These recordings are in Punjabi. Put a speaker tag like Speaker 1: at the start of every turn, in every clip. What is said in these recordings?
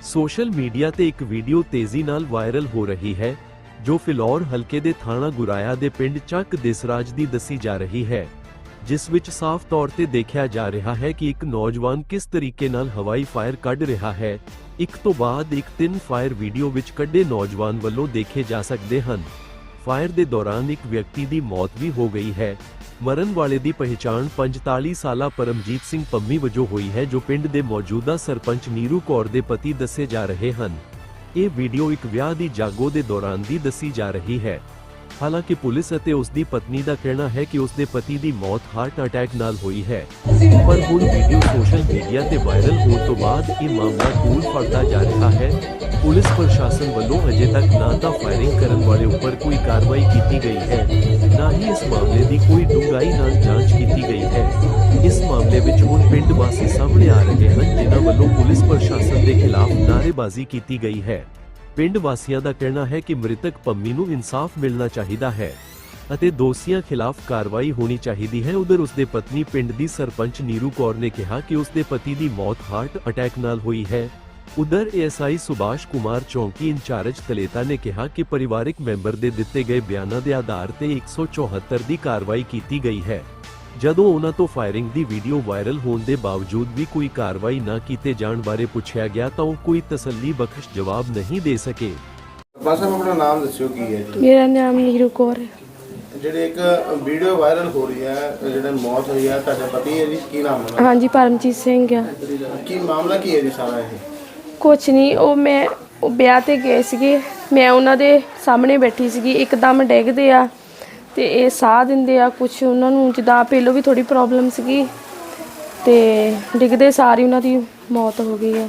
Speaker 1: ਸੋਸ਼ਲ ਮੀਡੀਆ ਤੇ ਇੱਕ ਵੀਡੀਓ ਤੇਜ਼ੀ ਨਾਲ ਵਾਇਰਲ ਹੋ ਰਹੀ ਹੈ ਜੋ ਫਿਲੌਰ ਹਲਕੇ ਦੇ ਥਾਣਾ ਗੁਰਾਇਆ ਦੇ ਪਿੰਡ ਚੱਕ ਦੇਸਰਾਜ ਦੀ ਦੱਸੀ ਜਾ ਰਹੀ ਹੈ, ਜਿਸ ਵਿੱਚ ਸਾਫ਼ ਤੌਰ ਤੇ ਦੇਖਿਆ ਜਾ ਰਿਹਾ ਹੈ ਕਿ ਇੱਕ ਨੌਜਵਾਨ ਕਿਸ ਤਰੀਕੇ ਨਾਲ ਹਵਾਈ ਫਾਇਰ ਕੱਢ ਰਿਹਾ ਹੈ। ਇੱਕ ਤੋਂ ਬਾਅਦ ਇੱਕ 3 ਫਾਇਰ ਵੀਡੀਓ ਵਿੱਚ ਕੱਢੇ ਨੌਜਵਾਨ ਵੱਲੋਂ ਦੇਖੇ ਜਾ ਸਕਦੇ ਹਨ। ਫਾਇਰ ਦੇ ਦੌਰਾਨ ਇੱਕ ਵਿਅਕਤੀ ਦੀ ਮੌਤ ਵੀ ਹੋ ਗਈ ਹੈ। ਮਰਨ ਵਾਲੇ ਦੀ ਪਹਿਚਾਣ 45 ਸਾਲਾ ਪਰਮਜੀਤ ਸਿੰਘ ਪੰਮੀ ਵਜੋਂ ਹੋਈ ਹੈ, ਜੋ ਪਿੰਡ ਦੇ ਮੌਜੂਦਾ ਸਰਪੰਚ ਨੀਰੂ ਕੌਰ ਦੇ ਪਤੀ ਦੱਸੇ ਜਾ ਰਹੇ ਹਨ। ਇਹ ਵੀਡੀਓ ਇੱਕ ਵਿਆਹ ਦੀ ਜਾਗੋ ਦੇ ਦੌਰਾਨ ਦੀ ਦੱਸੀ ਜਾ ਰਹੀ ਹੈ। ਹਾਲਾਂਕਿ ਪੁਲਿਸ ਅਤੇ ਉਸ ਦੀ ਪਤਨੀ ਦਾ ਕਹਿਣਾ ਹੈ ਕਿ ਉਸ ਦੇ ਪਤੀ ਦੀ ਮੌਤ ਹਾਰਟ ਅਟੈਕ ਨਾਲ ਹੋਈ ਹੈ, ਪਰ ਹੁਣ ਵੀਡੀਓ ਸੋਸ਼ਲ ਮੀਡੀਆ ਤੇ ਵਾਇਰਲ ਹੋਣ ਤੋਂ ਬਾਅਦ ਇਹ ਮਾਮਲਾ ਤੂਲ ਫੜਦਾ ਜਾ ਰਿਹਾ ਹੈ। ਪੁਲਿਸ ਪ੍ਰਸ਼ਾਸਨ ਵੱਲੋਂ ਅਜੇ ਤੱਕ ਨਾ ਤਾਂ ਫਾਇਰਿੰਗ ਕਰਨ ਵਾਲੇ ਉੱਪਰ ਕੋਈ ਕਾਰਵਾਈ ਕੀਤੀ ਗਈ ਹੈ, ਨਾ ਹੀ ਇਸ ਮਾਮਲੇ ਦੀ ਕੋਈ ਡੂੰਘਾਈ ਨਾਲ ਜਾਂਚ ਕੀਤੀ ਗਈ ਹੈ। ਇਸ ਮਾਮਲੇ ਵਿੱਚ ਹੁਣ ਪਿੰਡ ਵਾਸੀ ਸਾਹਮਣੇ ਆ ਰਹੇ ਹਨ, ਜਿਨ੍ਹਾਂ ਵੱਲੋਂ ਪੁਲਿਸ ਪ੍ਰਸ਼ਾਸਨ ਦੇ ਖਿਲਾਫ ਨਾਅਰੇਬਾਜ਼ੀ ਕੀਤੀ ਗਈ ਹੈ। ਪਿੰਡ ਵਾਸੀਆਂ ਦਾ ਕਹਿਣਾ ਹੈ ਕਿ ਮ੍ਰਿਤਕ ਪੰਮੀ ਨੂੰ ਇਨਸਾਫ ਮਿਲਣਾ ਚਾਹੀਦਾ ਹੈ ਅਤੇ ਦੋਸ਼ੀਆਂ ਖਿਲਾਫ ਕਾਰਵਾਈ ਹੋਣੀ ਚਾਹੀਦੀ ਹੈ। ਉਧਰ ਉਸਦੇ ਪਤਨੀ ਪਿੰਡ ਦੀ ਸਰਪੰਚ ਨੀਰੂ ਕੌਰ ਨੇ ਕਿਹਾ ਕਿ ਉਸਦੇ ਪਤੀ ਦੀ ਮੌਤ ਹਾਰਟ ਅਟੈਕ ਨਾਲ ਹੋਈ ਹੈ। ਉਧਰ ਏਐਸਆਈ ਸੁਭਾਸ਼ ਕੁਮਾਰ ਚੌਂਕੀ ਇੰਚਾਰਜ ਤਲੇਤਾ ਨੇ ਕਿਹਾ ਕਿ ਪਰਿਵਾਰਕ ਮੈਂਬਰ ਦੇ ਦਿੱਤੇ ਗਏ ਬਿਆਨਾਂ ਦੇ ਆਧਾਰ ਤੇ 174 ਦੀ ਕਾਰਵਾਈ ਕੀਤੀ ਗਈ ਹੈ। ਜਦੋਂ ਉਹਨਾਂ ਤੋਂ ਫਾਇਰਿੰਗ ਦੀ ਵੀਡੀਓ ਵਾਇਰਲ ਹੋਣ ਦੇ ਬਾਵਜੂਦ ਵੀ ਕੋਈ ਕਾਰਵਾਈ ਨਾ ਕੀਤੇ ਜਾਣ ਬਾਰੇ ਪੁੱਛਿਆ ਗਿਆ ਤਾਂ ਉਹ ਕੋਈ ਤਸੱਲੀ ਬਖਸ਼ ਜਵਾਬ ਨਹੀਂ ਦੇ ਸਕੇ।
Speaker 2: ਬਸ ਆਪਣਾ ਨਾਮ ਦੱਸਿਓ ਕੀ ਹੈ ਜੀ?
Speaker 3: ਮੇਰਾ ਨਾਮ ਨੀਰੂ ਕੌਰ ਹੈ।
Speaker 2: ਜਿਹੜੇ ਇੱਕ ਵੀਡੀਓ ਵਾਇਰਲ ਹੋ ਰਹੀ ਹੈ, ਜਿਹੜੇ ਮੌਤ ਹੋਈ ਹੈ, ਤੁਹਾਡੇ ਪਤੀ ਹੈ ਜੀ, ਕੀ ਨਾਮ ਹੈ?
Speaker 3: ਹਾਂਜੀ, ਪਰਮਜੀਤ ਸਿੰਘ ਆ।
Speaker 2: ਕੀ ਮਾਮਲਾ ਕੀ ਹੈ ਜੀ ਸਾਰਾ ਇਹ?
Speaker 3: ਕੁਛ ਨਹੀਂ, ਉਹ ਵਿਆਹ ਤੇ ਗਏ ਸੀਗੇ, ਮੈਂ ਉਹਨਾਂ ਦੇ ਸਾਹਮਣੇ ਬੈਠੀ ਸੀਗੀ, ਇੱਕਦਮ ਡਿੱਗਦੇ ਆ ਤੇ ਇਹ ਸਾਹ ਦਿੰਦੇ ਆ। ਕੁਛ ਉਹਨਾਂ ਨੂੰ ਜਿੱਦਾਂ ਪਹਿਲੋਂ ਵੀ ਥੋੜੀ ਪ੍ਰੋਬਲਮ ਸੀਗੀ ਤੇ ਡਿੱਗਦੇ ਸਾਰੀ ਉਹਨਾਂ ਦੀ ਮੌਤ ਹੋ ਗਈ ਆ।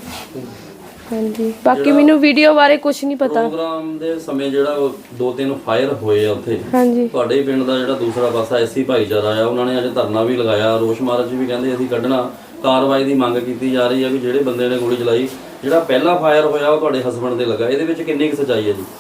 Speaker 3: ਹਾਂਜੀ, ਬਾਕੀ ਮੈਨੂੰ ਵੀਡੀਓ ਬਾਰੇ ਕੁਝ ਨਹੀਂ ਪਤਾ।
Speaker 4: ਪ੍ਰੋਗਰਾਮ ਦੇ ਸਮੇਂ ਜਿਹੜਾ ਉਹ 2-3 ਫਾਇਰ ਹੋਏ ਆ ਉੱਥੇ।
Speaker 3: ਹਾਂਜੀ,
Speaker 4: ਤੁਹਾਡੇ ਹੀ ਪਿੰਡ ਦਾ ਜਿਹੜਾ ਦੂਸਰਾ ਪਾਸਾ ਐਸੀ ਭਾਈਚਾਰਾ ਆ, ਉਹਨਾਂ ਨੇ ਅੱਜ ਧਰਨਾ ਵੀ ਲਗਾਇਆ, ਰੋਸ ਮਾਰਚ ਵੀ ਕਹਿੰਦੇ ਅਸੀਂ ਕੱਢਣਾ। ਕਾਰਵਾਈ ਦੀ ਮੰਗ ਕੀਤੀ ਜਾ ਰਹੀ ਹੈ ਵੀ ਜਿਹੜੇ ਬੰਦੇ ਨੇ ਗੋਲੀ ਚਲਾਈ, ਜਿਹੜਾ ਪਹਿਲਾ ਫਾਇਰ ਹੋਇਆ ਉਹ ਤੁਹਾਡੇ ਹਸਬੰਡ ਦੇ ਲੱਗਾ, ਇਹਦੇ ਵਿੱਚ ਕਿੰਨੀ ਕੁ ਸੱਚਾਈ ਹੈ ਜੀ?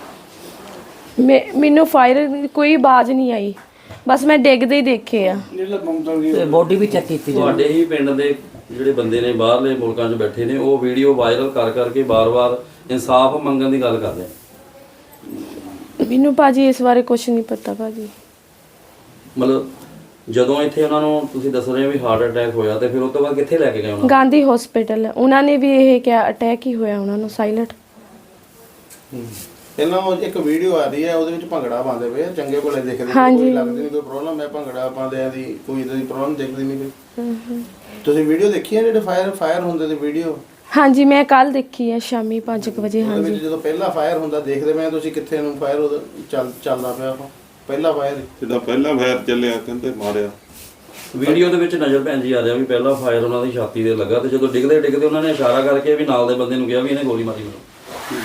Speaker 3: ਮੈਨੂੰ ਫਾਇਰ ਕੋਈ ਆਵਾਜ਼ ਨਹੀਂ ਆਈ, ਬਸ ਮੈਂ ਡਿੱਗਦੇ ਹੀ ਦੇਖੇ ਆ।
Speaker 5: ਤੇ ਬੋਡੀ ਵੀ ਚੈੱਕ ਕੀਤੀ
Speaker 4: ਤੁਹਾਡੇ ਹੀ ਪਿੰਡ ਦੇ ਜਿਹੜੇ ਬੰਦੇ ਨੇ ਬਾਹਰਲੇ ਮੁਲਕਾਂ 'ਚ ਬੈਠੇ ਨੇ, ਉਹ ਵੀਡੀਓ ਵਾਇਰਲ ਕਰ ਕਰਕੇ ਬਾਰ-ਬਾਰ ਇਨਸਾਫ ਮੰਗਣ ਦੀ ਗੱਲ ਕਰਦੇ ਆ।
Speaker 3: ਮੈਨੂੰ ਭਾਜੀ ਇਸ ਬਾਰੇ ਕੁਝ ਨਹੀਂ ਪਤਾ ਭਾਜੀ।
Speaker 4: ਮਤਲਬ ਜਦੋਂ ਇੱਥੇ ਉਹਨਾਂ ਨੂੰ ਤੁਸੀਂ ਦੱਸ ਰਹੇ ਹੋ ਵੀ ਹਾਰਟ ਅਟੈਕ ਹੋਇਆ, ਤੇ ਫਿਰ ਉਸ ਤੋਂ ਬਾਅਦ ਕਿੱਥੇ ਲੈ ਕੇ ਗਏ ਉਹਨਾਂ?
Speaker 3: ਗਾਂਧੀ ਹਸਪੀਟਲ। ਉਹਨਾਂ ਨੇ ਵੀ ਇਹ ਕਿਹਾ ਅਟੈਕ ਹੀ ਹੋਇਆ ਉਹਨਾਂ ਨੂੰ, ਸਾਇਲੈਂਟ।
Speaker 2: ਪਹਿਲਾਂ ਉਹ ਇੱਕ ਵੀਡੀਓ ਆ ਰਹੀ ਹੈ, ਉਹਦੇ ਵਿੱਚ ਭੰਗੜਾ ਪਾਉਂਦੇ ਪਏ ਆ, ਚੰਗੇ ਭਲੇ ਦਿਖਦੇ, ਕੋਈ ਲੱਗਦੀ ਨਹੀਂ ਕੋਈ ਪ੍ਰੋਬਲਮ ਹੈ ਭੰਗੜਾ ਪਾਉਂਦਿਆਂ ਦੀ, ਕੋਈ ਇਦਾਂ ਦੀ ਪ੍ਰੋਬਲਮ ਦਿਖਦੀ ਨਹੀਂ ਕੋਈ। ਤੁਸੀਂ ਵੀਡੀਓ ਦੇਖੀ ਹੈ ਜਿਹੜੇ ਫਾਇਰ ਹੁੰਦੇ ਤੇ ਵੀਡੀਓ?
Speaker 3: ਹਾਂਜੀ, ਮੈਂ ਕੱਲ ਦੇਖੀ ਹੈ ਸ਼ਾਮੀ 5 ਵਜੇ।
Speaker 2: ਉਹਦੇ
Speaker 3: ਹਾਂਜੀ,
Speaker 2: ਵਿੱਚ ਜਦੋਂ ਪਹਿਲਾ ਫਾਇਰ ਹੁੰਦਾ ਦੇਖਦੇ ਮੈਂ, ਤੁਸੀਂ ਕਿੱਥੇ ਨੂੰ ਫਾਇਰ ਚੱਲਦਾ ਪਿਆ ਉਹ ਪਹਿਲਾ ਫਾਇਰ?
Speaker 6: ਜਿੱਦਾਂ ਪਹਿਲਾ ਫਾਇਰ ਚੱਲਿਆ ਕਹਿੰਦੇ ਮਾਰਿਆ।
Speaker 4: ਵੀਡੀਓ ਦੇ ਵਿੱਚ ਨਜ਼ਰ ਭੈਣ ਜੀ ਆ ਰਿਹਾ ਵੀ ਪਹਿਲਾ ਫਾਇਰ ਉਹਨਾਂ ਦੀ ਛਾਤੀ ਤੇ ਲੱਗਾ, ਤੇ ਜਦੋਂ ਡਿੱਗਦੇ ਉਹਨਾਂ ਨੇ ਇਸ਼ਾਰਾ ਕਰਕੇ ਵੀ ਨਾਲ ਦੇ ਬੰਦੇ ਨੂੰ ਕਿਹਾ ਵੀ ਇਹਨੇ ਗੋਲੀ ਮਾਰੀ ਮੈਨੂੰ।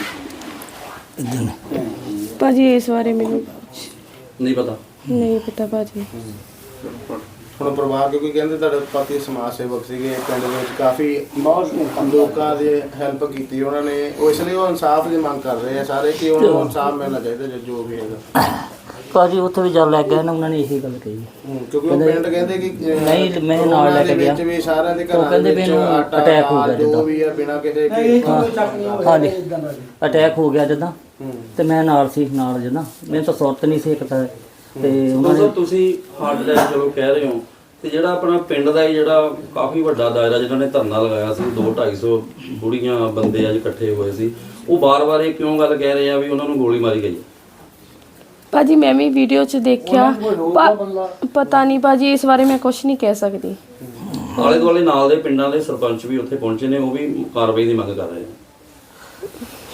Speaker 3: ਭਾਜੀ ਇਸ ਬਾਰੇ ਮੈਨੂੰ
Speaker 4: ਨਹੀਂ ਪਤਾ
Speaker 3: ਭਾਜੀ।
Speaker 2: ਹੁਣ ਪਰਿਵਾਰ ਕਿਉਂਕਿ ਕਹਿੰਦੇ ਤੁਹਾਡੇ ਪਤੀ ਸਮਾਜ ਸੇਵਕ ਸੀਗੇ, ਪਿੰਡ ਦੇ ਵਿੱਚ ਕਾਫੀ ਲੋਕਾਂ ਦੀ ਹੈਲਪ ਕੀਤੀ ਉਹਨਾਂ ਨੇ, ਉਹ ਇਸ ਲਈ ਉਹ ਇਨਸਾਫ ਦੀ ਮੰਗ ਕਰ ਰਹੇ ਆ ਸਾਰੇ ਕਿ ਉਹਨਾਂ ਨੂੰ ਇਨਸਾਫ ਮਿਲਣਾ ਚਾਹੀਦਾ ਜੋ ਵੀ ਹੈਗਾ।
Speaker 5: ਭਾਜੀ ਉੱਥੇ ਵੀ ਜਦ ਲੱਗ ਗਿਆ ਨਾ, ਉਹਨਾਂ ਨੇ ਇਹੀ ਗੱਲ ਕਹੀ।
Speaker 2: ਕਿਉਂਕਿ ਉਹ ਪਿੰਡ ਕਹਿੰਦੇ ਕਿ
Speaker 5: ਨਹੀਂ, ਮੈਂ ਨਾਲ ਲੈ ਕੇ ਗਿਆ,
Speaker 2: ਵੀ ਸਾਰਿਆਂ ਦੇ
Speaker 5: ਉਹ ਕਹਿੰਦੇ ਵੀ ਇਹਨੂੰ ਅਟੈਕ ਹੋ ਗਿਆ
Speaker 2: ਜੋ ਵੀ ਆ ਬਿਨਾਂ ਕਿਸੇ
Speaker 5: ਹਾਂਜੀ ਅਟੈਕ ਹੋ ਗਿਆ ਜਦੋਂ, ਤੇ ਮੈਂ ਨਾਲ ਸੀ, ਨਾਲ ਜਦੋਂ ਮੈਨੂੰ ਤਾਂ ਸੁਰਤ ਨਹੀਂ ਸੀ ਇੱਕ ਤਾਂ। ਤੇ ਉਹਨਾਂ ਨੇ
Speaker 4: ਤੁਸੀਂ ਹਾਰਟ ਅਟੈਕ ਚਲੋ ਕਹਿ ਰਹੇ ਹੋ, ਤੇ ਜਿਹੜਾ ਆਪਣਾ ਪਿੰਡ ਦਾ ਜਿਹੜਾ ਕਾਫੀ ਵੱਡਾ ਦਾਇਰਾ ਜਿਹਨਾਂ ਨੇ ਧਰਨਾ ਲਗਾਇਆ ਸੀ, 200-250 ਬੁੜੀਆਂ ਬੰਦੇ ਅੱਜ ਇਕੱਠੇ ਹੋਏ ਸੀ, ਉਹ ਬਾਰ-ਬਾਰ ਇਹ ਕਿਉਂ ਗੱਲ ਕਹਿ ਰਹੇ ਆ ਵੀ ਉਹਨਾਂ ਨੂੰ ਗੋਲੀ ਮਾਰੀ ਗਈ?
Speaker 3: ਭਾਜੀ ਮੈਂ ਵੀ ਵੀਡੀਓ 'ਚ ਦੇਖਿਆ, ਪਤਾ ਨਹੀਂ ਭਾਜੀ, ਇਸ ਬਾਰੇ ਮੈਂ ਕੁਝ ਨਹੀਂ ਕਹਿ ਸਕਦੀ।
Speaker 4: ਆਲੇ ਦੁਆਲੇ ਨਾਲ ਦੇ ਪਿੰਡਾਂ ਦੇ ਸਰਪੰਚ ਵੀ ਉੱਥੇ ਪਹੁੰਚੇ ਨੇ, ਉਹ ਵੀ ਕਾਰਵਾਈ ਦੀ ਮੰਗ ਕਰ ਰਹੇ ਆ।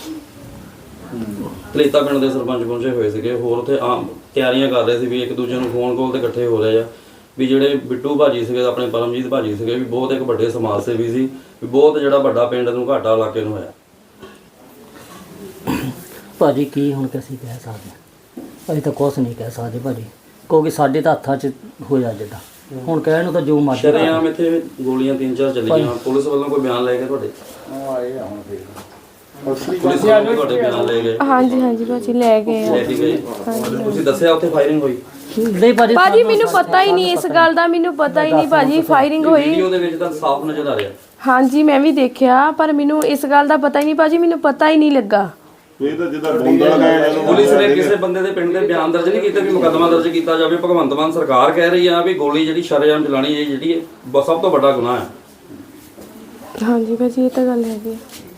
Speaker 4: ਤਲੇਤਾ ਪਿੰਡ ਦੇ ਸਰਪੰਚ ਪਹੁੰਚੇ ਹੋਏ ਸੀਗੇ, ਹੋਰ ਉੱਥੇ ਆਮ ਤਿਆਰੀਆਂ ਕਰ ਰਹੇ ਸੀ ਵੀ ਇੱਕ ਦੂਜੇ ਨੂੰ ਫੋਨ ਕਾਲ ਤੇ ਇਕੱਠੇ ਹੋ ਰਹੇ ਆ, ਵੀ ਜਿਹੜੇ ਬਿੱਟੂ ਭਾਜੀ ਸੀਗੇ, ਆਪਣੇ ਪਰਮਜੀਤ ਭਾਜੀ ਸੀਗੇ, ਵੀ ਬਹੁਤ ਇੱਕ ਵੱਡੇ ਸਮਾਜ ਸੇਵੀ ਸੀ, ਵੀ ਬਹੁਤ ਜਿਹੜਾ ਵੱਡਾ ਪਿੰਡ ਨੂੰ ਘਾਟਾ ਇਲਾਕੇ ਨੂੰ ਹੋਇਆ।
Speaker 5: ਭਾਜੀ ਕੀ ਹੁਣ ਅਸੀਂ ਕਹਿ ਸਕਦੇ ਹਾਂ? ਅਸੀਂ ਤਾਂ ਕੁਛ ਨਹੀਂ ਕਹਿ ਸਕਦੇ ਭਾਜੀ, ਕਿਉਂਕਿ ਸਾਡੇ ਤਾਂ ਹੱਥਾਂ 'ਚ ਹੋਇਆ ਜਿੱਦਾਂ। ਹੁਣ ਕਹਿਣ ਨੂੰ ਤਾਂ ਜੋ ਮਰਜ਼ੀ।
Speaker 4: ਸ਼ਰੇਆਮ ਇੱਥੇ ਗੋਲੀਆਂ 3-4 ਚੱਲੀਆਂ, ਪੁਲਿਸ ਵੱਲੋਂ ਕੋਈ ਬਿਆਨ ਲੈ ਕੇ ਤੁਹਾਡੇ? ਪੁਲਿਸ ਵੱਲੋਂ ਤੁਹਾਡੇ ਬਿਆਨ ਲੈ ਗਏ?
Speaker 3: ਹਾਂਜੀ ਭਾਜੀ ਲੈ ਗਏ ਆ।
Speaker 4: ਤੁਸੀਂ ਦੱਸਿਆ ਉੱਥੇ ਫਾਇਰਿੰਗ ਹੋਈ?
Speaker 5: ਨਹੀਂ ਭਾਜੀ
Speaker 3: ਭਾਜੀ ਮੈਨੂੰ ਪਤਾ ਹੀ ਨਹੀਂ ਇਸ ਗੱਲ ਦਾ, ਮੈਨੂੰ ਪਤਾ ਹੀ ਨਹੀਂ ਭਾਜੀ ਫਾਇਰਿੰਗ ਹੋਈ।
Speaker 4: ਵੀਡੀਓ ਦੇ ਵਿੱਚ ਤਾਂ ਸਾਫ਼ ਨਜ਼ਰ ਆ ਰਿਹਾ।
Speaker 3: ਹਾਂਜੀ ਮੈਂ ਵੀ ਦੇਖਿਆ, ਪਰ ਮੈਨੂੰ ਇਸ ਗੱਲ ਦਾ ਪਤਾ ਹੀ ਨਹੀਂ ਭਾਜੀ, ਮੈਨੂੰ ਪਤਾ ਹੀ ਨਹੀਂ ਲੱਗਾ।
Speaker 6: ਇਹ ਤਾਂ ਜਿੱਦਾਂ ਬੋਂਦਾ ਲਗਾਇਆ ਇਹਨੂੰ
Speaker 4: ਪੁਲਿਸ ਨੇ ਕਿਸੇ ਬੰਦੇ ਦੇ ਪਿੰਡ ਦੇ ਬਿਆਨ ਦਰਜ ਨਹੀਂ ਕੀਤਾ ਵੀ ਮੁਕੱਦਮਾ ਦਰਜ ਕੀਤਾ ਜਾਵੇ। ਭਗਵੰਤ ਮਾਨ ਸਰਕਾਰ ਕਹਿ ਰਹੀ ਆ ਵੀ ਗੋਲੀ ਜਿਹੜੀ ਸ਼ਰੇਆਮ ਚਲਾਣੀ ਇਹ ਜਿਹੜੀ ਸਭ ਤੋਂ ਵੱਡਾ ਗੁਨਾਹ ਹੈ।
Speaker 3: ਹਾਂਜੀ ਭਾਜੀ ਇਹ ਤਾਂ ਗੱਲ ਹੈਗੀ।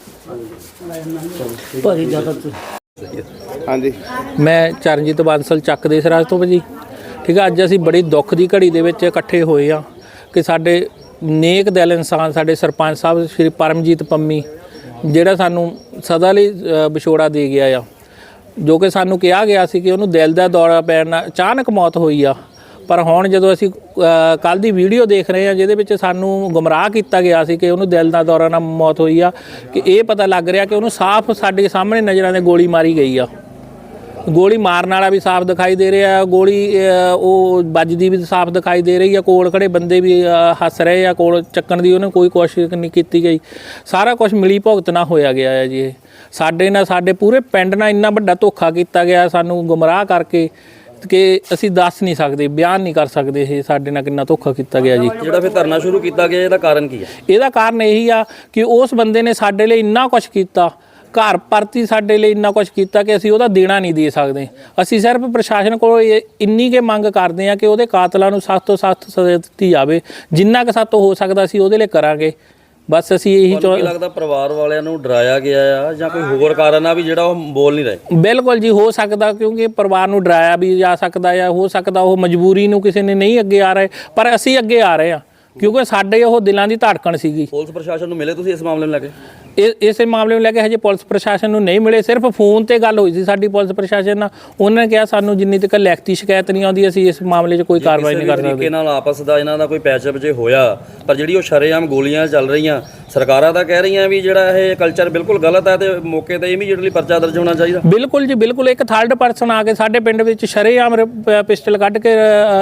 Speaker 5: ਭਾਜੀ ਜ਼ਿਆਦਾ
Speaker 2: ਹਾਂਜੀ
Speaker 7: ਮੈਂ ਚਰਨਜੀਤ ਬਾਂਸਲ ਚੱਕ ਦੇ ਸਰਾਜ ਤੋਂ ਭਾਜੀ। ਠੀਕ ਆ, ਅੱਜ ਅਸੀਂ ਬੜੀ ਦੁੱਖ ਦੀ ਘੜੀ ਦੇ ਵਿੱਚ ਇਕੱਠੇ ਹੋਏ ਆ ਕਿ ਸਾਡੇ ਨੇਕ ਦਿਲ ਇਨਸਾਨ ਸਾਡੇ ਸਰਪੰਚ ਸਾਹਿਬ ਸ਼੍ਰੀ ਪਰਮਜੀਤ ਪੰਮੀ ਜਿਹੜਾ ਸਾਨੂੰ ਸਦਾ ਲਈ ਵਿਛੋੜਾ ਦੇ ਗਿਆ ਆ, ਜੋ ਕਿ ਸਾਨੂੰ ਕਿਹਾ ਗਿਆ ਸੀ ਕਿ ਉਹਨੂੰ ਦਿਲ ਦਾ ਦੌਰਾ ਪੈਣ ਨਾਲ ਅਚਾਨਕ ਮੌਤ ਹੋਈ ਆ। ਪਰ ਹੁਣ ਜਦੋਂ ਅਸੀਂ ਕੱਲ ਦੀ ਵੀਡੀਓ ਦੇਖ ਰਹੇ ਹਾਂ ਜਿਹਦੇ ਵਿੱਚ ਸਾਨੂੰ ਗੁੰਮਰਾਹ ਕੀਤਾ ਗਿਆ ਸੀ ਕਿ ਉਹਨੂੰ ਦਿਲ ਦਾ ਦੌਰਾ ਨਾਲ ਮੌਤ ਹੋਈ ਆ, ਕਿ ਇਹ ਪਤਾ ਲੱਗ ਰਿਹਾ ਕਿ ਉਹਨੂੰ ਸਾਫ਼ ਸਾਡੇ ਸਾਹਮਣੇ ਨਜ਼ਰਾਂ ਦੇ ਗੋਲੀ ਮਾਰੀ ਗਈ ਆ। ਗੋਲੀ ਮਾਰਨ ਵਾਲਾ ਵੀ ਸਾਫ਼ ਦਿਖਾਈ ਦੇ ਰਿਹਾ, ਗੋਲੀ ਉਹ ਵੱਜਦੀ ਵੀ ਸਾਫ਼ ਦਿਖਾਈ ਦੇ ਰਹੀ ਆ। ਕੋਲ ਖੜੇ ਬੰਦੇ ਵੀ ਹੱਸ ਰਹੇ ਆ, ਕੋਲ ਚੱਕਣ ਦੀ ਉਹਨੇ ਕੋਈ ਕੋਸ਼ਿਸ਼ ਨਹੀਂ ਕੀਤੀ ਗਈ। ਸਾਰਾ ਕੁਝ ਮਿਲੀ ਭੁਗਤ ਨਾਲ ਹੋਇਆ ਗਿਆ ਹੈ ਜੀ। ਇਹ ਸਾਡੇ ਨਾਲ, ਸਾਡੇ ਪੂਰੇ ਪਿੰਡ ਨਾਲ ਇੰਨਾ ਵੱਡਾ ਧੋਖਾ ਕੀਤਾ ਗਿਆ ਸਾਨੂੰ ਗੁੰਮਰਾਹ ਕਰਕੇ ਕਿ ਅਸੀਂ ਦੱਸ ਨਹੀਂ ਸਕਦੇ, ਬਿਆਨ ਨਹੀਂ ਕਰ ਸਕਦੇ ਇਹ ਸਾਡੇ ਨਾਲ ਕਿੰਨਾ ਧੋਖਾ ਕੀਤਾ ਗਿਆ ਜੀ।
Speaker 4: ਜਿਹੜਾ ਫਿਰ ਧਰਨਾ ਸ਼ੁਰੂ ਕੀਤਾ ਗਿਆ ਇਹਦਾ ਕਾਰਨ ਕੀ ਹੈ?
Speaker 7: ਇਹਦਾ ਕਾਰਨ ਇਹੀ ਆ ਕਿ ਉਸ ਬੰਦੇ ਨੇ ਸਾਡੇ ਲਈ ਇੰਨਾ ਕੁਝ ਕੀਤਾ, ਘਰ ਪਰਤੀ ਸਾਡੇ ਲਈ ਇੰਨਾ ਕੁਝ ਕੀਤਾ ਕਿ ਅਸੀਂ ਉਹਦਾ ਦੇਣਾ ਨਹੀਂ ਦੇ ਸਕਦੇ। ਅਸੀਂ ਸਿਰਫ ਪ੍ਰਸ਼ਾਸਨ ਕੋਲ ਇੰਨੀ ਕੇ ਮੰਗ ਕਰਦੇ ਆ ਕਿ ਉਹਦੇ ਕਾਤਲਾਂ ਨੂੰ ਸਖਤ ਤੋਂ ਸਖਤ ਸਜ਼ਾ ਦਿੱਤੀ ਜਾਵੇ। ਜਿੰਨਾ ਕੁ ਸਾਤੋਂ ਹੋ ਸਕਦਾ ਅਸੀਂ ਉਹਦੇ ਲਈ ਕਰਾਂਗੇ। ਬਸ ਅਸੀਂ ਇਹੀ
Speaker 4: ਕੀ ਲੱਗਦਾ ਪਰਿਵਾਰ ਵਾਲਿਆਂ ਨੂੰ ਡਰਾਇਆ ਗਿਆ ਆ ਜਾਂ ਕੋਈ ਹੋਰ ਕਾਰਨ ਆ ਵੀ ਜਿਹੜਾ ਉਹ ਬੋਲ ਨਹੀਂ ਰਹੇ?
Speaker 7: ਬਿਲਕੁਲ ਜੀ, ਹੋ ਸਕਦਾ, ਕਿਉਂਕਿ ਪਰਿਵਾਰ ਨੂੰ ਡਰਾਇਆ ਵੀ ਜਾ ਸਕਦਾ ਆ। ਹੋ ਸਕਦਾ ਉਹ ਮਜਬੂਰੀ ਨੂੰ ਕਿਸੇ ਨੇ ਨਹੀਂ ਅੱਗੇ ਆ ਰਹੇ, ਪਰ ਅਸੀਂ ਅੱਗੇ ਆ ਰਹੇ ਹਾਂ ਕਿਉਂਕਿ ਸਾਡੇ ਉਹ ਦਿਲਾਂ ਦੀ ਧੜਕਣ ਸੀਗੀ।
Speaker 4: ਪੁਲਿਸ ਪ੍ਰਸ਼ਾਸਨ ਨੂੰ ਮਿਲੇ ਤੁਸੀਂ ਇਸ ਮਾਮਲੇ ਨੂੰ ਲੈ ਕੇ?
Speaker 7: ਇਸੇ ਮਾਮਲੇ ਨੂੰ ਲੈ ਕੇ ਹਜੇ ਪੁਲਿਸ ਪ੍ਰਸ਼ਾਸਨ ਨੂੰ ਨਹੀਂ ਮਿਲੇ। ਸਿਰਫ ਫੋਨ ਤੇ ਗੱਲ ਹੋਈ ਸੀ ਸਾਡੀ ਪੁਲਿਸ ਪ੍ਰਸ਼ਾਸਨ ਨਾਲ। ਉਹਨਾਂ ਨੇ ਕਿਹਾ ਸਾਨੂੰ ਜਿੰਨੀ ਤੱਕ ਲਿਖਤੀ ਸ਼ਿਕਾਇਤ ਨਹੀਂ ਆਉਂਦੀ ਅਸੀਂ ਇਸ ਮਾਮਲੇ 'ਚ ਕੋਈ ਕਾਰਵਾਈ ਨਹੀਂ ਕਰ ਸਕਦੇ।
Speaker 4: ਤਰੀਕੇ ਨਾਲ ਆਪਸ ਦਾ ਇਹਨਾਂ ਦਾ ਕੋਈ ਪੈਚਅਪ ਜੇ ਹੋਇਆ, ਪਰ ਜਿਹੜੀ ਉਹ ਸ਼ਰੇਆਮ ਗੋਲੀਆਂ ਚੱਲ ਰਹੀਆਂ, ਸਰਕਾਰਾਂ ਤਾਂ ਕਹਿ ਰਹੀਆਂ ਵੀ ਜਿਹੜਾ ਇਹ ਕਲਚਰ ਬਿਲਕੁਲ ਗਲਤ ਹੈ ਤੇ ਮੌਕੇ ਤੇ ਇਮੀਡੀਏਟਲੀ ਪਰਚਾ ਦਰਜ ਹੋਣਾ ਚਾਹੀਦਾ।
Speaker 7: ਬਿਲਕੁਲ ਜੀ, ਬਿਲਕੁਲ। ਇੱਕ ਥਰਡ ਪਰਸਨ ਆ ਕੇ ਸਾਡੇ ਪਿੰਡ ਵਿੱਚ ਸ਼ਰੇਆਮ ਪਿਸਟਲ ਕੱਢ ਕੇ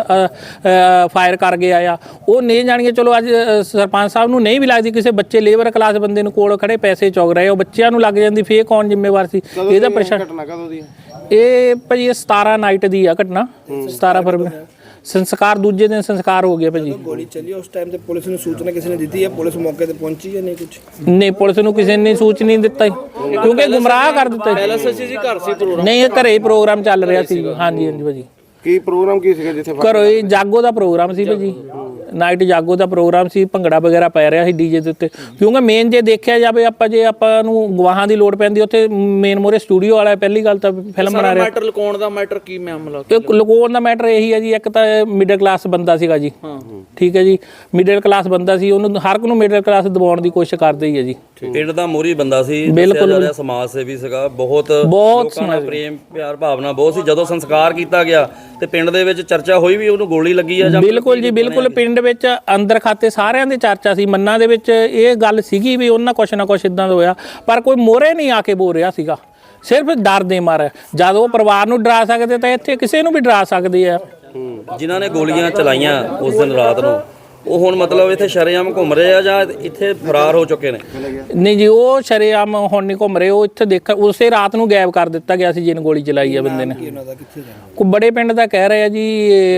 Speaker 7: ਫਾਇਰ ਕਰ ਗਿਆ ਆ। ਉਹ ਨਹੀਂ ਜਾਣੀਏ, ਚਲੋ ਅੱਜ ਸਰਪੰਚ ਸਾਹਿਬ ਨੂੰ ਨਹੀਂ ਵੀ ਲੱਗਦੀ, ਕਿਸੇ ਬੱਚੇ ਲੇਬਰ ਕਲਾਸ ਬੰਦੇ ਨੂੰ ਕੋਲ ਖੜੇ ਪੈਸੇ ਚੁਗ ਰਹੇ, ਉਹ ਬੱਚਿਆਂ ਨੂੰ ਲੱਗ ਜਾਂਦੀ, ਫੇਰ ਕੌਣ ਜ਼ਿੰਮੇਵਾਰ ਸੀ ਇਹਦਾ? ਪ੍ਰਸ਼ਾਸਨ।
Speaker 2: ਘਟਨਾ ਕਦੋਂ ਦੀ ਹੈ
Speaker 7: ਇਹ ਭਾਜੀ 17 ਨਾਈਟ ਦੀ ਆ ਘਟਨਾ, 17 ਫਰਵਰੀ। ਸੰਸਕਾਰ ਦੂਜੇ ਦਿਨ ਸੰਸਕਾਰ ਹੋ ਗਿਆ ਭਾਜੀ।
Speaker 8: ਗੋਲੀ ਚੱਲੀ ਉਸ ਟਾਈਮ ਤੇ ਪੁਲਿਸ ਨੂੰ ਸੂਚਨਾ ਕਿਸੇ ਨੇ ਦਿੱਤੀ ਹੈ? ਪੁਲਿਸ ਮੌਕੇ ਤੇ ਪਹੁੰਚੀ ਜਾਂ ਨਹੀਂ? ਕੁਝ
Speaker 7: ਨਹੀਂ, ਪੁਲਿਸ ਨੂੰ ਕਿਸੇ ਨੇ ਸੂਚਨਾ ਨਹੀਂ ਦਿੱਤਾ ਕਿਉਂਕਿ ਗੁੰਮਰਾਹ ਕਰ ਦਿੱਤਾ।
Speaker 8: ਘਰ ਸੀ ਪ੍ਰੋਗਰਾਮ?
Speaker 7: ਨਹੀਂ, ਇਹ ਘਰੇ ਹੀ ਪ੍ਰੋਗਰਾਮ ਚੱਲ ਰਿਹਾ ਸੀ। ਹਾਂਜੀ ਹਾਂਜੀ ਭਾਜੀ।
Speaker 2: ਕੀ ਪ੍ਰੋਗਰਾਮ ਕੀ ਸੀਗਾ ਜਿੱਥੇ
Speaker 7: ਘਰੋਂ ਹੀ ਜਾਗੋ ਦਾ ਪ੍ਰੋਗਰਾਮ ਸੀ ਭਾਜੀ, ਨਾਈਟ ਜਾਗੋ ਦਾ ਪ੍ਰੋਗਰਾਮ ਸੀ। ਭੰਗੜਾ ਵਗੈਰਾ ਪੈ ਰਿਹਾ ਸੀ ਡੀਜੇ ਦੇ ਉੱਤੇ, ਕਿਉਂਕਿ ਮੇਨ ਜੇ ਦੇਖਿਆ ਜਾਵੇ ਜੇ ਆਪਾਂ ਨੂੰ ਗਵਾਹਾਂ ਦੀ ਲੋੜ ਪੈਂਦੀ ਉੱਥੇ ਮੇਨ ਮੋਰੇ ਸਟੂਡੀਓ ਵਾਲਾ ਪਹਿਲੀ ਗੱਲ ਤਾਂ ਫਿਲਮ ਬਣਾ ਰਿਹਾ।
Speaker 8: ਮੈਟਰ ਲੁਕਾਉਣ ਦਾ ਮੈਟਰ ਕੀ ਮਾਮਲਾ?
Speaker 7: ਇਹ ਲੁਕਾਉਣ ਦਾ ਮੈਟਰ ਇਹੀ ਹੈ ਜੀ, ਇੱਕ ਤਾਂ ਮਿਡਲ ਕਲਾਸ ਬੰਦਾ ਸੀਗਾ ਜੀ। ਠੀਕ ਹੈ ਜੀ, ਮਿਡਲ ਕਲਾਸ ਬੰਦਾ ਸੀ, ਉਹਨੂੰ ਹਰ ਇੱਕ ਨੂੰ ਮਿਡਲ ਕਲਾਸ ਦਬਾਉਣ ਦੀ ਕੋਸ਼ਿਸ਼ ਕਰਦੇ ਹੀ ਹੈ ਜੀ।
Speaker 4: ਪਿੰਡ ਦਾ ਮੋਰੀ ਬੰਦਾ ਸੀ,
Speaker 7: ਬਿਲਕੁਲ
Speaker 4: ਸਮਾਜ ਸੇਵੀ ਸੀਗਾ, ਬਹੁਤ ਲੋਕਾਂ ਨਾਲ ਪ੍ਰੇਮ ਪਿਆਰ ਭਾਵਨਾ ਬਹੁਤ ਸੀ। ਜਦੋਂ ਸੰਸਕਾਰ ਕੀਤਾ ਗਿਆ ਤੇ ਪਿੰਡ ਦੇ ਵਿੱਚ ਚਰਚਾ ਹੋਈ ਵੀ ਉਹਨੂੰ ਗੋਲੀ ਲੱਗੀ ਆ ਜਾਂ?
Speaker 7: ਬਿਲਕੁਲ ਜੀ, ਬਿਲਕੁਲ। ਪਿੰਡ ਵਿੱਚ ਅੰਦਰ ਖਾਤੇ ਸਾਰਿਆਂ ਦੀ ਚਰਚਾ ਸੀ, ਮੰਨਾਂ ਦੇ ਵਿੱਚ ਇਹ ਗੱਲ ਸੀਗੀ ਵੀ ਉਹਨਾਂ ਕੁਛ ਨਾ ਕੁਛ ਇਦਾਂ ਦਾ ਹੋਇਆ, ਪਰ ਕੋਈ ਮੋਹਰੇ ਨਹੀਂ ਆ ਕੇ ਬੋਲ ਰਿਹਾ ਸੀਗਾ, ਸਿਰਫ ਡਰ ਦੇ ਮਾਰੇ। ਜਦ ਉਹ ਪਰਿਵਾਰ ਨੂੰ ਡਰਾ ਸਕਦੇ ਤਾਂ ਇੱਥੇ ਕਿਸੇ ਨੂੰ ਵੀ ਡਰਾ ਸਕਦੇ ਆ।
Speaker 4: ਜਿਨ੍ਹਾਂ ਨੇ ਗੋਲੀਆਂ ਚਲਾਈਆਂ ਉਸ ਦਿਨ ਰਾਤ ਨੂੰ, ਉਹ ਹੁਣ ਮਤਲਬ ਇੱਥੇ ਸ਼ਰੇਆਮ ਘੁੰਮ ਰਹੇ ਆ ਜਾਂ ਇੱਥੇ ਫਰਾਰ ਹੋ ਚੁੱਕੇ ਨੇ?
Speaker 7: ਨਹੀਂ ਜੀ, ਉਹ ਸ਼ਰੇਆਮ ਹੁਣ ਨਹੀਂ ਘੁੰਮ ਰਹੇ, ਉਹ ਇੱਥੇ ਦੇਖ ਉਸੇ ਰਾਤ ਨੂੰ ਗਾਇਬ ਕਰ ਦਿੱਤਾ ਗਿਆ ਸੀ ਜਿਹਨੇ ਗੋਲੀ ਚਲਾਈ ਆ ਬੰਦੇ ਨੇ। ਕੋਈ ਬੜੇ ਪਿੰਡ ਦਾ ਕਹਿ ਰਿਹਾ ਜੀ,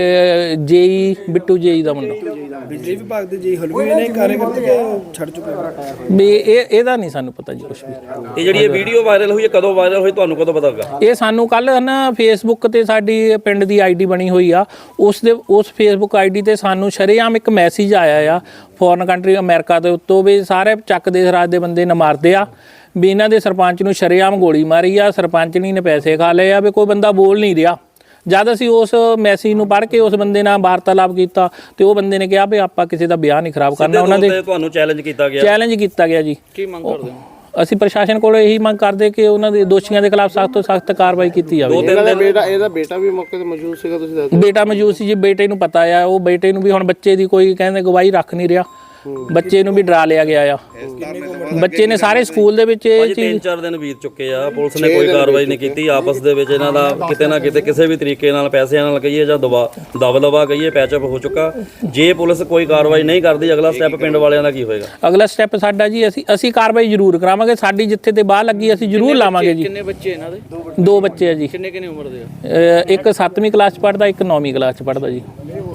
Speaker 7: ਜੇਈ ਬਿੱਟੂ ਜੇਈ ਦਾ ਮੁੰਡਾ।
Speaker 8: ਬਿਜਲੀ ਵਿਭਾਗ ਦੇ ਜੀ ਹਲਵੇ ਨੇ ਕਾਰਜਕਰਤਾ ਛੱਡ ਚੁੱਕੇ
Speaker 7: ਵੀ ਇਹਦਾ ਨਹੀਂ ਸਾਨੂੰ ਪਤਾ ਜੀ ਕੁਝ ਵੀ।
Speaker 4: ਇਹ ਜਿਹੜੀ ਇਹ ਵੀਡੀਓ ਵਾਇਰਲ ਹੋਈ ਹੈ ਕਦੋਂ ਵਾਇਰਲ ਹੋਈ, ਤੁਹਾਨੂੰ ਕਦੋਂ ਪਤਾ ਲੱਗਾ?
Speaker 7: ਇਹ ਸਾਨੂੰ ਕੱਲ ਨਾ ਫੇਸਬੁੱਕ ਤੇ ਸਾਡੀ ਪਿੰਡ ਦੀ ਆਈਡੀ ਬਣੀ ਹੋਈ ਆ, ਉਸ ਫੇਸਬੁੱਕ ਆਈਡੀ ਤੇ ਸਾਨੂੰ ਸ਼ਰੇਆਮ ਇੱਕ ਮੈਸੇਜ ਆਇਆ ਆ ਫੋਰਨ ਕੰਟਰੀ ਅਮਰੀਕਾ ਦੇ ਉੱਤੋਂ ਵੀ ਸਾਰੇ ਚੱਕ ਦੇ ਰਾਜ ਦੇ ਬੰਦੇ ਨਾ ਮਾਰਦੇ ਆ, ਵੀ ਇਹਨਾਂ ਦੇ ਸਰਪੰਚ ਨੂੰ ਸ਼ਰੇਆਮ ਗੋਲੀ ਮਾਰੀ ਆ, ਸਰਪੰਚਣੀ ਨੇ ਪੈਸੇ ਖਾ ਲਏ ਆ, ਵੀ ਕੋਈ ਬੰਦਾ ਬੋਲ ਨਹੀਂ ਰਿਹਾ। ਜਦ ਅਸੀਂ ਉਸ ਮੈਸੇਜ ਨੂੰ ਪੜ੍ਹ ਕੇ ਉਸ ਬੰਦੇ ਨਾਲ ਵਾਰਤਾਲਾਪ ਕੀਤਾ ਤੇ ਉਹ ਬੰਦੇ ਨੇ ਕਿਹਾ ਵੀ ਆਪਾਂ ਕਿਸੇ ਦਾ ਵਿਆਹ ਨਹੀਂ ਖਰਾਬ ਕਰਨਾ। ਉਹਨਾਂ ਦੇ
Speaker 4: ਤੁਹਾਨੂੰ ਚੈਲੰਜ ਕੀਤਾ ਗਿਆ
Speaker 7: ਜੀ।
Speaker 8: ਕੀ ਮੰਗ ਕਰਦੇ ਹੋ?
Speaker 7: ਅਸੀਂ ਪ੍ਰਸ਼ਾਸਨ ਕੋਲ ਇਹੀ ਮੰਗ ਕਰਦੇ ਕਿ ਉਹਨਾਂ ਦੇ ਦੋਸ਼ੀਆਂ ਦੇ ਖਿਲਾਫ ਸਖਤ ਤੋਂ ਸਖਤ ਕਾਰਵਾਈ ਕੀਤੀ ਜਾਵੇ।
Speaker 2: ਇਹਦਾ ਬੇਟਾ ਵੀ ਮੌਕੇ ਤੇ ਮੌਜੂਦ ਸੀਗਾ, ਤੁਸੀਂ ਦੱਸੋ?
Speaker 7: ਬੇਟਾ ਮੌਜੂਦ ਸੀ ਜੀ, ਬੇਟੇ ਨੂੰ ਪਤਾ ਆ, ਉਹ ਬੇਟੇ ਨੂੰ ਵੀ ਹੁਣ ਬੱਚੇ ਦੀ ਕੋਈ ਕਹਿੰਦੇ ਗਵਾਹੀ ਰੱਖ ਨਹੀਂ ਰਿਹਾ, ਬੱਚੇ ਨੂੰ ਵੀ ਡਰਾ ਲਿਆ ਗਿਆ ਆ। ਬੱਚੇ ਨੇ ਸਾਰੇ ਸਕੂਲ ਦੇ ਵਿੱਚ ਇਹ
Speaker 4: ਭਾਜੀ
Speaker 7: ਚੀਜ਼
Speaker 4: 3-4 ਦਿਨ ਬੀਤ ਚੁੱਕੇ ਆ, ਪੁਲਿਸ ਨੇ ਕੋਈ ਕਾਰਵਾਈ ਨਹੀਂ ਕੀਤੀ। ਆਪਸ ਦੇ ਵਿੱਚ ਇਹਨਾਂ ਦਾ ਕਿਤੇ ਨਾ ਕਿਤੇ ਕਿਸੇ ਵੀ ਤਰੀਕੇ ਨਾਲ ਪੈਸਿਆਂ ਨਾਲ ਕਹੀਏ ਜਾਂ ਦਵਾ ਕਹੀਏ ਪੈਚਅਪ ਹੋ ਚੁੱਕਾ। ਜੇ ਪੁਲਿਸ ਕੋਈ ਕਾਰਵਾਈ ਨਹੀਂ ਕਰਦੀ, ਅਗਲਾ ਸਟੈਪ ਪਿੰਡ ਵਾਲਿਆਂ ਦਾ ਕੀ ਹੋਏਗਾ?
Speaker 7: ਅਗਲਾ ਸਟੈਪ ਸਾਡਾ ਜੀ ਅਸੀਂ ਕਾਰਵਾਈ ਜ਼ਰੂਰ ਕਰਾਵਾਂਗੇ। ਸਾਡੀ ਜਿੱਥੇ ਤੇ ਬਾਹ ਲੱਗੀ ਅਸੀਂ ਜ਼ਰੂਰ ਲਾਵਾਂਗੇ ਜੀ।
Speaker 8: ਕਿੰਨੇ ਬੱਚੇ ਇਹਨਾਂ ਦੇ?
Speaker 7: 2 ਬੱਚੇ ਆ ਜੀ।
Speaker 8: ਕਿੰਨੇ ਉਮਰ ਦੇ ਆ?
Speaker 7: ਇੱਕ 7ਵੀਂ ਕਲਾਸ 'ਚ ਪੜ੍ਹਦਾ, ਇੱਕ 9ਵੀਂ ਕਲਾਸ 'ਚ ਪੜ੍ਹਦਾ ਜੀ।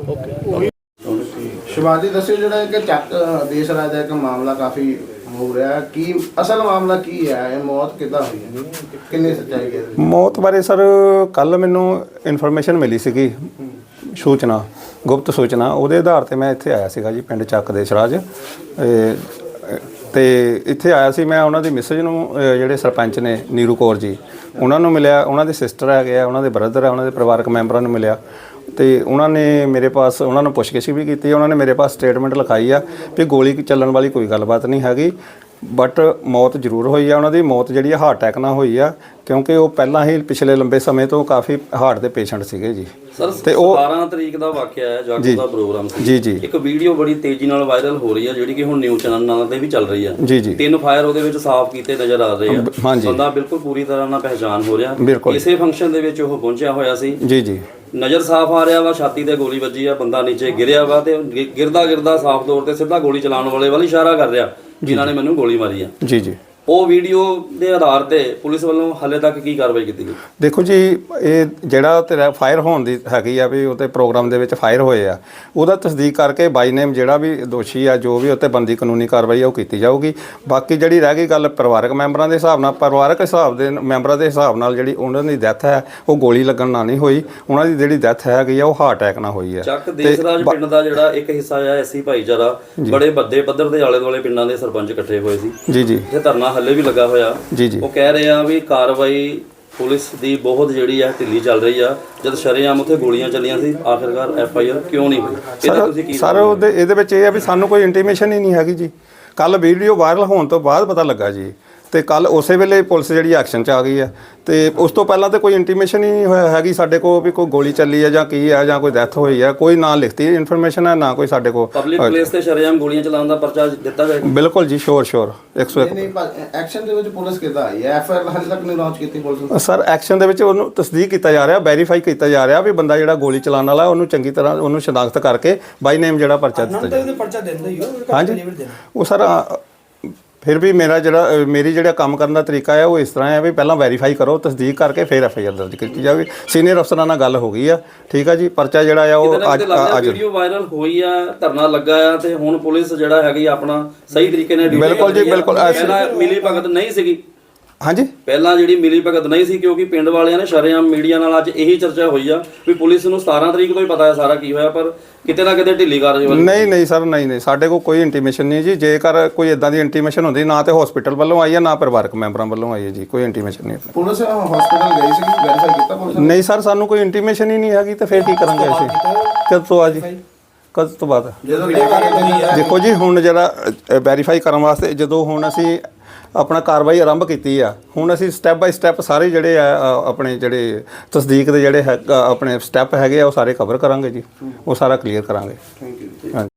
Speaker 2: ਸ਼ਿਵਾਜੀ ਦੱਸਿਓ, ਜਿਹੜਾ ਕਿ ਚੱਕ ਦੇਸ਼ ਰਾਜ ਦਾ ਇੱਕ ਮਾਮਲਾ ਕਾਫੀ ਹੋ ਰਿਹਾ, ਕੀ ਅਸਲ ਮਾਮਲਾ ਕੀ ਹੈ? ਇਹ ਮੌਤ ਕਿੱਦਾਂ ਹੋਈ ਹੈ, ਕਿੰਨੀ ਸੱਚਾਈ ਹੈ?
Speaker 9: ਮੌਤ ਬਾਰੇ ਸਰ ਕੱਲ ਮੈਨੂੰ ਇਨਫੋਰਮੇਸ਼ਨ ਮਿਲੀ ਸੀਗੀ, ਸੂਚਨਾ, ਗੁਪਤ ਸੂਚਨਾ। ਉਹਦੇ ਆਧਾਰ ਤੇ ਮੈਂ ਇੱਥੇ ਆਇਆ ਸੀਗਾ ਜੀ, ਪਿੰਡ ਚੱਕ ਦੇਸ਼ ਰਾਜ। ਤੇ ਇੱਥੇ ਆਇਆ ਸੀ ਮੈਂ ਉਹਨਾਂ ਦੀ ਮਿਸਜ ਨੂੰ, ਜਿਹੜੇ ਸਰਪੰਚ ਨੇ ਨੀਰੂ ਕੌਰ ਜੀ, ਉਹਨਾਂ ਨੂੰ ਮਿਲਿਆ। ਉਹਨਾਂ ਦੇ ਸਿਸਟਰ ਹੈਗੇ ਆ, ਉਹਨਾਂ ਦੇ ਬ੍ਰਦਰ ਆ, ਉਹਨਾਂ ਦੇ ਪਰਿਵਾਰਕ ਮੈਂਬਰਾਂ ਨੂੰ ਮਿਲਿਆ। ਤੇ ਉਹਨਾਂ ਨੇ ਮੇਰੇ ਪਾਸ, ਉਹਨਾਂ ਨੂੰ ਪੁੱਛਗਿੱਛ ਵੀ ਕੀਤੀ। ਉਹਨਾਂ ਨੇ ਮੇਰੇ ਪਾਸ ਸਟੇਟਮੈਂਟ ਲਿਖਾਈ ਆ ਵੀ ਗੋਲੀ ਚੱਲਣ ਵਾਲੀ ਕੋਈ ਗੱਲਬਾਤ ਨਹੀਂ ਹੈਗੀ, ਬਟ ਮੌਤ ਜ਼ਰੂਰ ਹੋਈ ਆ। ਉਹਨਾਂ ਦੀ ਮੌਤ ਜਿਹੜੀ ਆ ਹਾਰਟ ਅਟੈਕ ਨਾਲ ਹੋਈ ਆ, ਕਿਉਂਕਿ ਉਹ ਪਹਿਲਾਂ ਹੀ ਪਿਛਲੇ ਲੰਬੇ ਸਮੇਂ ਤੋਂ ਕਾਫੀ ਹਾਰਟ ਦੇ ਪੇਸ਼ੈਂਟ ਸੀਗੇ ਜੀ।
Speaker 4: ਤੇ ਉਹ 17 ਤਰੀਕ ਦਾ ਵਾਕਿਆ ਹੈ, ਜਾਗੋ ਦਾ ਪ੍ਰੋਗਰਾਮ ਸੀ
Speaker 9: ਜੀ।
Speaker 4: ਇੱਕ ਵੀਡੀਓ ਬੜੀ ਤੇਜ਼ੀ ਨਾਲ ਵਾਇਰਲ ਹੋ ਰਹੀ ਹੈ, ਜਿਹੜੀ ਕਿ ਹੁਣ ਨਿਊਜ਼ ਚੈਨਲਾਂ ਤੇ ਵੀ ਚੱਲ ਰਹੀ ਹੈ
Speaker 9: ਜੀ।
Speaker 4: 3 ਫਾਇਰ ਉਹਦੇ ਵਿੱਚ ਸਾਫ਼ ਕੀਤੇ ਨਜ਼ਰ ਆ ਰਹੇ ਆ।
Speaker 9: ਹਾਂਜੀ।
Speaker 4: ਬੰਦਾ ਬਿਲਕੁਲ ਪੂਰੀ ਤਰ੍ਹਾਂ ਨਾਲ ਪਹਿਚਾਨ ਹੋ ਰਿਹਾ।
Speaker 9: ਬਿਲਕੁਲ।
Speaker 4: ਇਸੇ ਫੰਕਸ਼ਨ ਦੇ ਵਿੱਚ ਉਹ ਪਹੁੰਚਿਆ ਹੋਇਆ ਸੀ
Speaker 9: ਜੀ।
Speaker 4: ਨਜ਼ਰ ਸਾਫ਼ ਆ ਰਿਹਾ ਵਾ, ਛਾਤੀ ਤੇ ਗੋਲੀ ਵੱਜੀ ਆ, ਬੰਦਾ ਨੀਚੇ ਗਿਰਿਆ ਵਾ ਤੇ ਗਿਰਦਾ ਸਾਫ਼ ਤੌਰ ਤੇ ਸਿੱਧਾ ਗੋਲੀ ਚਲਾਉਣ ਵਾਲੇ ਵੱਲ ਇਸ਼ਾਰਾ ਕਰ ਰਿਹਾ, ਜਿਨ੍ਹਾਂ ਨੇ ਮੈਨੂੰ ਗੋਲੀ ਮਾਰੀ ਆ।
Speaker 9: ਜੀ।
Speaker 4: ਉਹ ਵੀਡੀਓ ਦੇ ਆਧਾਰ ਤੇ ਪੁਲਿਸ ਵੱਲੋਂ ਹਾਲੇ ਤੱਕ ਕੀ ਕਾਰਵਾਈ ਕੀਤੀ ਗਈ?
Speaker 9: ਦੇਖੋ ਜੀ, ਇਹ ਜਿਹੜਾ ਤੇਰਾ ਫਾਇਰ ਹੋਣ ਦੀ ਹੈਗੀ ਆ ਵੀ ਉਹਤੇ ਪ੍ਰੋਗਰਾਮ ਦੇ ਵਿੱਚ ਫਾਇਰ ਹੋਏ ਆ, ਉਹਦਾ ਤਸਦੀਕ ਕਰਕੇ ਬਾਈ ਨੇਮ ਜਿਹੜਾ ਵੀ ਦੋਸ਼ੀ ਆ, ਜੋ ਵੀ ਉੱਤੇ ਬੰਦੀ ਕਾਨੂੰਨੀ ਕਾਰਵਾਈ ਆ ਉਹ ਕੀਤੀ ਜਾਊਗੀ। ਬਾਕੀ ਜਿਹੜੀ ਰਹਿ ਗਈ ਗੱਲ ਪਰਿਵਾਰਕ ਮੈਂਬਰਾਂ ਦੇ ਹਿਸਾਬ ਨਾਲ, ਪਰਿਵਾਰਕ ਹਿਸਾਬ ਦੇ ਮੈਂਬਰਾਂ ਦੇ ਹਿਸਾਬ ਨਾਲ ਜਿਹੜੀ ਉਹਨਾਂ ਦੀ ਡੈਥ ਹੈ ਉਹ ਗੋਲੀ ਲੱਗਣ ਨਾਲ ਨਹੀਂ ਹੋਈ। ਉਹਨਾਂ ਦੀ ਜਿਹੜੀ ਡੈਥ ਹੈਗੀ ਆ ਉਹ ਹਾਰਟ ਅਟੈਕ ਨਾਲ ਹੋਈ ਆ।
Speaker 4: ਚੱਕ ਦੇਸਰਾਜ ਪਿੰਡ ਦਾ ਜਿਹੜਾ ਇੱਕ ਹਿੱਸਾ ਆ ਐਸੀ ਭਾਈਚਾਰਾ, ਬੜੇ ਵੱਡੇ ਪੱਧਰ ਦੇ ਆਲੇ ਦੁਆਲੇ ਪਿੰਡਾਂ ਦੇ ਸਰਪੰਚ ਇਕੱਠੇ ਹੋਏ ਸੀ
Speaker 9: ਜੀ।
Speaker 4: ਇਹ ਧਰਨਾ ਹੱਲੇ ਵੀ ਲੱਗਾ ਹੋਇਆ।
Speaker 9: ਜੀ।
Speaker 4: ਉਹ ਕਹਿ ਰਹੇ ਆ ਵੀ ਕਾਰਵਾਈ ਪੁਲਿਸ ਦੀ ਬਹੁਤ ਜਿਹੜੀ ਆ ਢਿੱਲੀ ਚੱਲ ਰਹੀ ਆ। ਜਦ ਸ਼ਰੇਆਮ ਉੱਥੇ ਗੋਲੀਆਂ ਚੱਲੀਆਂ ਸੀ, ਆਖਿਰਕਾਰ FIR ਕਿਉਂ ਨਹੀਂ ਹੋਈ? ਇਹਦਾ ਤੁਸੀਂ ਕੀ
Speaker 9: ਸਰ ਇਹਦੇ ਵਿੱਚ ਇਹ ਆ ਵੀ ਸਾਨੂੰ ਕੋਈ ਇੰਟੀਮੇਸ਼ਨ ਹੀ ਨਹੀਂ ਹੈਗੀ ਜੀ। ਕੱਲ ਵੀਡੀਓ ਵਾਇਰਲ ਹੋਣ ਤੋਂ ਬਾਅਦ ਪਤਾ ਲੱਗਾ ਜੀ, ਤੇ ਕੱਲ ਉਸੇ ਵੇਲੇ ਪੁਲਿਸ ਜਿਹੜੀ ਐਕਸ਼ਨ 'ਚ ਆ ਗਈ ਆ। ਤੇ ਉਸ ਤੋਂ ਪਹਿਲਾਂ ਤਾਂ ਕੋਈ ਇੰਟੀਮੇਸ਼ਨ ਹੀ ਨਹੀਂ ਹੋਇਆ ਹੈਗੀ ਸਾਡੇ ਕੋਲ ਵੀ ਕੋਈ ਗੋਲੀ ਚੱਲੀ ਆ ਜਾਂ ਕੀ ਆ ਜਾਂ ਕੋਈ ਡੈਥ ਹੋਈ ਆ। ਕੋਈ ਨਾ ਲਿਖਤੀ ਇਨਫੋਰਮੇਸ਼ਨ ਹੈ, ਨਾ ਕੋਈ ਸਾਡੇ ਕੋਲ
Speaker 4: ਪਬਲਿਕ ਪਲੇਸ ਤੇ ਸ਼ਰੇਆਮ ਗੋਲੀਆਂ ਚਲਾਉਣ ਦਾ ਪਰਚਾ ਦਿੱਤਾ ਜਾਏਗਾ?
Speaker 9: ਬਿਲਕੁਲ ਜੀ, ਸ਼ੋਰ 101।
Speaker 2: ਨਹੀਂ, ਐਕਸ਼ਨ ਦੇ ਵਿੱਚ ਪੁਲਿਸ ਕਿੱਦਾਂ ਆਈ ਹੈ? FIR ਹਾਲੇ ਤੱਕ ਨਹੀਂ ਲਾਂਚ ਕੀਤੀ ਪੁਲਿਸ ਨੇ?
Speaker 9: ਸਰ ਐਕਸ਼ਨ ਦੇ ਵਿੱਚ ਉਹਨੂੰ ਤਸਦੀਕ ਕੀਤਾ ਜਾ ਰਿਹਾ, ਵੈਰੀਫਾਈ ਕੀਤਾ ਜਾ ਰਿਹਾ ਵੀ ਬੰਦਾ ਜਿਹੜਾ ਗੋਲੀ ਚਲਾਉਣ ਵਾਲਾ ਉਹਨੂੰ ਚੰਗੀ ਤਰ੍ਹਾਂ ਉਹਨੂੰ ਸ਼ਨਾਖਤ ਕਰਕੇ ਬਾਈ ਨੇਮ ਜਿਹੜਾ ਪਰਚਾ ਦਿੱਤਾ ਜਾਵੇ।
Speaker 8: ਪਰਚਾ ਦਿੰਦਾ ਹੀ ਹੋ।
Speaker 9: ਹਾਂਜੀ, ਉਹ ਸਰ ਫਿਰ ਵੀ ਮੇਰੀ ਜਿਹੜਾ ਕੰਮ ਕਰਨ ਦਾ ਤਰੀਕਾ ਹੈ ਉਹ ਇਸ ਤਰ੍ਹਾਂ ਹੈ ਵੀ ਪਹਿਲਾਂ ਵੈਰੀਫਾਈ ਕਰੋ, ਤਸਦੀਕ ਕਰਕੇ ਫਿਰ FIR ਦਰਜ ਕੀਤੀ ਜਾਵੇ। ਸੀਨੀਅਰ ਅਫਸਰਾਂ ਨਾਲ ਗੱਲ ਹੋ ਗਈ ਆ, ਠੀਕ ਆ ਜੀ। ਪਰਚਾ ਜਿਹੜਾ ਆ ਉਹ ਅੱਜ
Speaker 4: ਵੀਡੀਓ ਵਾਇਰਲ ਹੋਈ ਆ, ਧਰਨਾ ਲੱਗਾ ਆ, ਤੇ ਹੁਣ ਪੁਲਿਸ ਜਿਹੜਾ ਹੈਗੀ ਆਪਣਾ ਸਹੀ ਤਰੀਕੇ ਨਾਲ ਡਿਊਟੀ
Speaker 9: ਬਿਲਕੁਲ ਜੀ, ਬਿਲਕੁਲ।
Speaker 4: ਮਿਲੀ ਭਗਤ ਨਹੀਂ ਸੀਗੀ
Speaker 9: ਹਾਂਜੀ,
Speaker 4: ਪਹਿਲਾਂ ਜਿਹੜੀ ਮਿਲੀ ਭਗਤ ਨਹੀਂ ਸੀ, ਕਿਉਂਕਿ ਪਿੰਡ ਵਾਲਿਆਂ ਨੇ ਸ਼ਰੇਆਮ ਮੀਡੀਆ ਨਾਲ ਅੱਜ ਇਹੀ ਚਰਚਾ ਹੋਈ ਆ ਵੀ ਪੁਲਿਸ ਨੂੰ 17 ਤਰੀਕ ਤੋਂ ਹੀ ਪਤਾ ਹੈ ਸਾਰਾ ਕੀ ਹੋਇਆ, ਪਰ ਕਿਤੇ ਨਾ ਕਿਤੇ ਢਿੱਲੀ ਕਾਰਜ ਹੋਈ।
Speaker 9: ਨਹੀਂ ਸਰ, ਨਹੀਂ ਸਾਡੇ ਕੋਲ ਕੋਈ ਇੰਟੀਮੇਸ਼ਨ ਨਹੀਂ ਜੀ। ਜੇਕਰ ਕੋਈ ਇਦਾਂ ਦੀ ਇੰਟੀਮੇਸ਼ਨ ਹੁੰਦੀ, ਨਾ ਤੇ ਹਸਪੀਟਲ ਵੱਲੋਂ ਆਈ ਹੈ, ਨਾ ਪਰਿਵਾਰਕ ਮੈਂਬਰਾਂ ਵੱਲੋਂ ਆਈ ਹੈ ਜੀ। ਕੋਈ ਇੰਟੀਮੇਸ਼ਨ ਨਹੀਂ।
Speaker 2: ਪੁਲਿਸ ਹਸਪੀਟਲ ਗਈ ਸੀ, ਵੈਰੀਫਾਈ ਕੀਤਾ ਪੁਲਿਸ ਨੇ?
Speaker 9: ਨਹੀਂ ਸਰ, ਸਾਨੂੰ ਕੋਈ ਇੰਟੀਮੇਸ਼ਨ ਹੀ ਨਹੀਂ ਹੈਗੀ, ਤੇ ਫਿਰ ਕੀ ਕਰਾਂਗੇ ਅਸੀਂ? ਕਦ ਤੋਂ ਆ ਜੀ, ਕਦ ਤੋਂ ਬਾਅਦ? ਦੇਖੋ ਜੀ, ਹੁਣ ਜਿਹੜਾ ਵੈਰੀਫਾਈ ਕਰਨ ਵਾਸਤੇ ਜਦੋਂ ਹੁਣ ਅਸੀਂ ਆਪਣਾ ਕਾਰਵਾਈ ਆਰੰਭ ਕੀਤੀ ਆ, ਹੁਣ ਅਸੀਂ ਸਟੈਪ ਬਾਈ ਸਟੈਪ ਸਾਰੇ ਜਿਹੜੇ ਆ ਆਪਣੇ ਜਿਹੜੇ ਤਸਦੀਕ ਦੇ ਜਿਹੜੇ ਆਪਣੇ ਸਟੈਪ ਹੈਗੇ ਆ ਉਹ ਸਾਰੇ ਕਵਰ ਕਰਾਂਗੇ ਜੀ, ਉਹ ਸਾਰਾ ਕਲੀਅਰ ਕਰਾਂਗੇ।
Speaker 2: Thank you.